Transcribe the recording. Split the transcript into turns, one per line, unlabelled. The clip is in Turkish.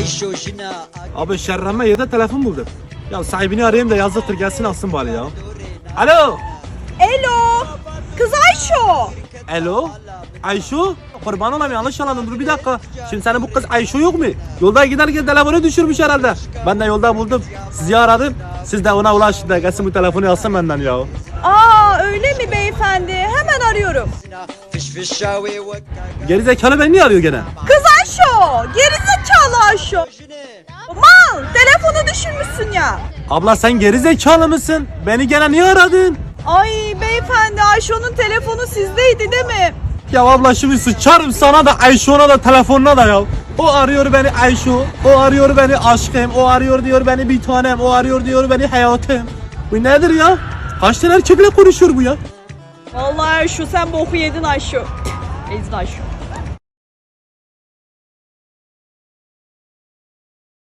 Abi şerremme yerde telefon buldum. Ya sahibini arayayım da yazdıktır gelsin alsın bari ya. Alo.
Elo. Kız Ayşo.
Alo. Ayşo. Kurban olayım yanlış anladın dur bir dakika. Şimdi senin bu kız Ayşo yok mu? Yolda giderken telefonu düşürmüş herhalde. Ben de yolda buldum. Sizi aradım. Siz de ona ulaşın da gelsin bu telefonu alsın benden ya.
Aa öyle mi beyefendi? Hemen arıyorum.
Gerizekalı beni niye arıyor gene?
Kız Ayşo. Gerizekalı Ayşo. Mal telefonu düşürmüşsün ya.
Abla sen gerizekalı mısın? Beni gene niye aradın?
Ay beyefendi Ayşo'nun telefonu sizdeydi değil mi?
Ya abla şimdi sıçarım sana da Ayşo'na da telefonuna da ya. O arıyor beni Ayşo, o arıyor beni aşkım, o arıyor diyor beni bir tanem, o arıyor diyor beni hayatım. Bu nedir ya? Kaç tane erkekle konuşuyor bu ya?
Vallahi Ayşo sen boku yedin Ayşo. Ezdin Ayşo.